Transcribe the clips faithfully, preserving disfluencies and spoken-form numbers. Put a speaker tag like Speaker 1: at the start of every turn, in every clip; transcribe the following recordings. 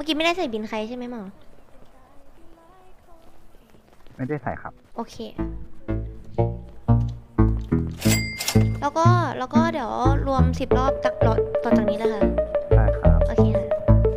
Speaker 1: มื่อกี้ไม่ได้ใส่บินใครใช่ไหมหมอ
Speaker 2: ไม่ได้ใส่ครับ
Speaker 1: โอเคแล้วก็แล้วก็เดี๋ยวรวมสิบรอบจากรถต่อจากนี้นะคะ
Speaker 2: ได้ครับ
Speaker 1: โอเคค่ะ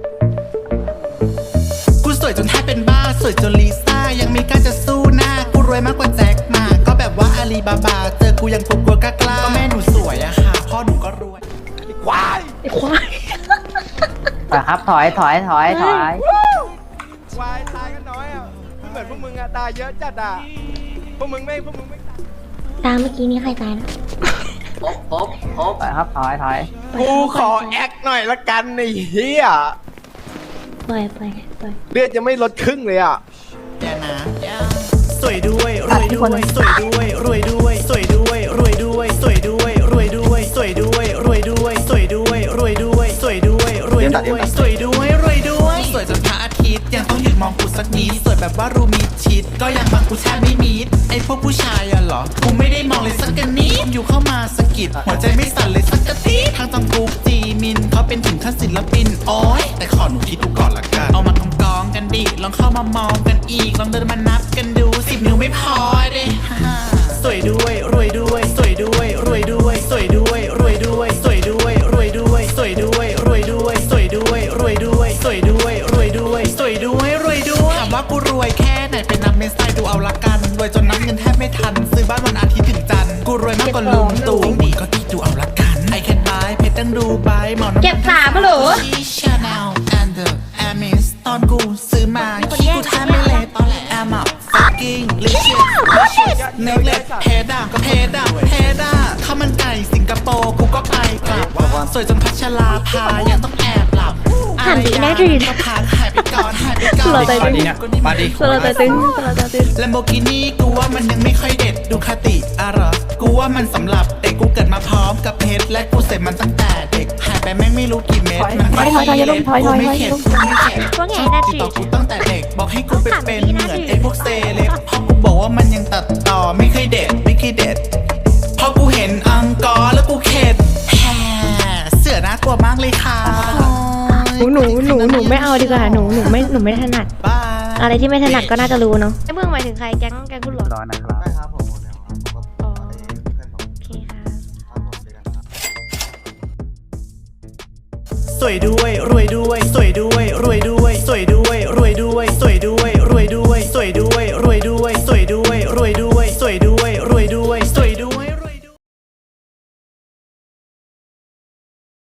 Speaker 3: กูสวยจนแทบเป็นบ้าสวยจนลิซ่ายังไม่กล้าจะสู้หน้ากูรวยมากกว่าแจ็คหมาก็แบบว่าอาลีบาบาเจอกูยังกลัวกล้ากล้าก็แม่หนูสวยอะค่ะพ่อหนูก็รวยควาย
Speaker 1: ควาย
Speaker 4: ถอยครับถอยถอยถอยถอย
Speaker 5: ควายตายกันน้อยอ่ะไม่เหมือนพวกมึงอ่ะตายเยอะจัดอ่ะพวกมึงไม่พวกมึงไม่ตาย
Speaker 1: ตามเมื่อกี้นี้ใครตายนะ
Speaker 4: พบพบพบถอยครับถอยถอย
Speaker 5: กูขอแอคหน่อยละกันไอ้เหี้ย
Speaker 1: ปล่อยปล่อยปล่อย
Speaker 5: เลือดจะไม่ลดครึ่งเลยอ่ะ
Speaker 3: แย่นะสวยด้วยรวยด้วยสวยด้วยรวยด้วยสวยด้วยรวยด้วยสวยด้วยรวยด้วยสวยด้วยรวยด้วยสวยด้วยรวยด้วยสวยด้วยรวยด้วยสวยด้วยรวยด้วยสวยจนพระอาทิตย์ยังต้องหยุดมองกูสักนิดสวยแบบว่ารูมีชิดก็ยังบางกูแทบไม่มิดไอพวกผู้ชายอะเหรอกูไม่ได้มองเลยสักนิดอยู่เข้ามาสะกิดหัวใจไม่สั่นเลยสักทีทางจังกูจีมินเขาเป็นถึงขั้นศิลปินโอ้ยแต่ขอหนูคิดดูก่อนละกันเอามากำกองกันดิลองเข้ามามองกันอีกลองเดินมานับกันดูสิบนิ้วไม่พอเด้สวยด้วยรวยด้วยสวยด้วยรวยด้วยสวยด้วยรวยด้วยสวยด้วยรวยด้วยสวยด้วยรวยด้วยสวยด้วยรวยด้วยสวยด้วยรวยด้วยสวยด้วยรวยด้วยถามว่ากูรวยแค่ไหนเป็นนับเมสไซดูเอาละกันรวยจนนับเงินแทบไม่ทันซื้อบ้านวันอาทิตย์ถึงจันทร์กูรวยมากกว่าลุงตู่ดีก็คิดดูเอาละกันไอแคนบายเพชรตั้งดูใบหมอน
Speaker 1: เก็บสามเหรอ
Speaker 3: ชาแนลแอนเดอร์แอมิสตอนกูซื้อมาขี้กูแทบไม่เล็ดแอมอ่ะ fucking delicious เนื้อเล็ดเพดาก็เพดาเพดาข้าวมันไก่สิงคโปร์กูก็ไปกลับสวยจนพัชราภายังต้องแอบหลับ
Speaker 1: หันดีนะดี
Speaker 3: ก็ผ่านหายไปก่อนหายไปก่อน
Speaker 1: เราใจตึง
Speaker 2: มาดิ
Speaker 1: เราใจตึงเราใจตึง
Speaker 3: แลมโบกินี่กูว่ามันยังไม่ค่อยเด็ดดูคาติอะไรกูว่ามันสำหรับเด็กกูเกิดมาพร้อมกับเพชรและกูเสร็จมันตั้งแต่เด็กหายไปแม่งไม่รู้กี่เม็ดมันไม่ค่อยเล็ดกูไม่เข็ดกูไม่เข็ด
Speaker 1: ว่าไงนะจี
Speaker 3: ต่อกูตั้งแต่เด็กบอกให้กูไปเป็นเหมือนไอ้พวกเซเลบพอกูบอกว่ามันยังตัดต่อไม่เคยเด็ดไม่เคยเด็ดพอกูเห็นอังกอร์แล้วกูเข็ดแฮ่เสือน่ากลัวมากเลยค่ะ
Speaker 1: หนูหนูหนูหนูไม่เอาดีกว่าหนูหนูไม่หนูไม่ถนัดอะไรที่ไม่ถนัดก็น่าจะรู้เนาะไอ้เมืองหมายถึงใครแก๊งแก๊งคุณหลอด
Speaker 2: ร้อนนะครับ
Speaker 5: ได้ครับผมแล้วครับ
Speaker 1: โอเคค่ะ
Speaker 3: สวยด้วยรวยด้วยสวยด้วยรวยด้วยสวยด้วยรวยด้วยสวยด้วยรวยด้วยสวยด้วย